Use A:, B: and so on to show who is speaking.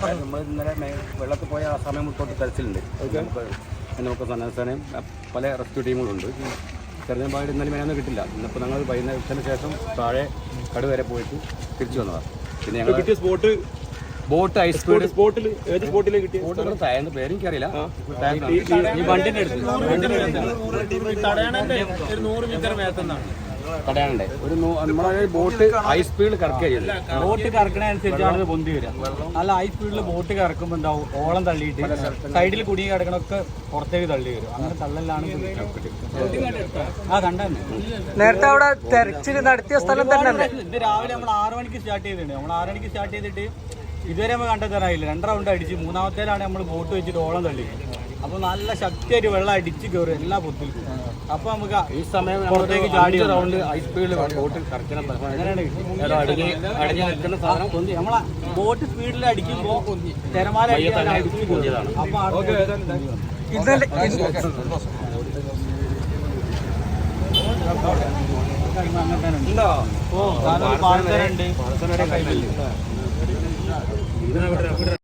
A: നമ്മൾ ഇന്നലെ വെള്ളത്തിൽ പോയ ആ സമയം തൊട്ട് തെരച്ചിലുണ്ട്. നമുക്ക് സന്നദ്ധസേനയും പല റെസ്ക്യൂ ടീമുകളുണ്ട്. തെരഞ്ഞെടുപ്പായിട്ട് ഇന്നലെ മേനൊന്നും കിട്ടില്ല. ഇന്നിപ്പോൾ ഞങ്ങൾ വൈകുന്നേരത്തിന് ശേഷം താഴെ കടു വരെ പോയിട്ട് തിരിച്ചു വന്നതാണ്. പിന്നെ ഞങ്ങൾ
B: കിട്ടിയ
A: ബോട്ട് ഐസ് സ്പീഡ്
B: സ്പോട്ടിൽ ഏത് സ്പോട്ടിലേക്ക് കിട്ടിയ
A: ബോട്ടുകൾ താഴ്ന്ന പേര് എനിക്കറിയില്ല. ഈ വണ്ടിൻ്റെ അടുത്ത് തടയാനുണ്ട്. ഒരു നമ്മളെ ബോട്ട് ഹൈ സ്പീഡിൽ കറക്കുകയില്ല.
C: ബോട്ട് കറക്കണ അനുസരിച്ചാണ് പൊന്തി വരിക. നല്ല ഹൈ സ്പീഡിൽ ബോട്ട് കറക്കുമ്പോൾ എന്താവും, ഓളം തള്ളിയിട്ട് സൈഡിൽ കുടുങ്ങി കിടക്കണൊക്കെ പുറത്തേക്ക് തള്ളി വരും. അങ്ങനെ തള്ളലാണ് ആ കണ്ടന്നെ.
D: നേരത്തെ അവിടെ തെരച്ചിൽ നടത്തിയ സ്ഥലം തന്നെ.
C: ഇത് രാവിലെ നമ്മൾ 6 മണിക്ക് സ്റ്റാർട്ട് ചെയ്തിട്ടുണ്ട്. നമ്മൾ 6 മണിക്ക് സ്റ്റാർട്ട് ചെയ്തിട്ട് ഇതുവരെ നമ്മൾ കണ്ടെത്താനായില്ല. 2 റൗണ്ട് അടിച്ച് മൂന്നാമത്തേലാണ് നമ്മൾ ബോട്ട് വെച്ചിട്ട് ഓളം തള്ളി. അപ്പോൾ നല്ല ശക്തിയായിട്ട് വെള്ളം അടിച്ച് കയറും എല്ലാ പൊത്തിലും. അപ്പോൾ നമുക്ക്
A: ഈ സമയം പുറത്തേക്ക് ചാടി റൗണ്ട് ഹൈ സ്പീഡിൽ ബോട്ട് കറക്കണം. അടിഞ്ഞു നിൽക്കുന്ന സാധനം
C: പൊന്തി. നമ്മളെ ബോട്ട് സ്പീഡിൽ അടിക്കുമ്പോൾ തിരമാല അടിച്ച്
A: പൊന്തിയതാണ്.
C: അപ്പോൾ അങ്ങനെ തന്നെ ഉണ്ട്.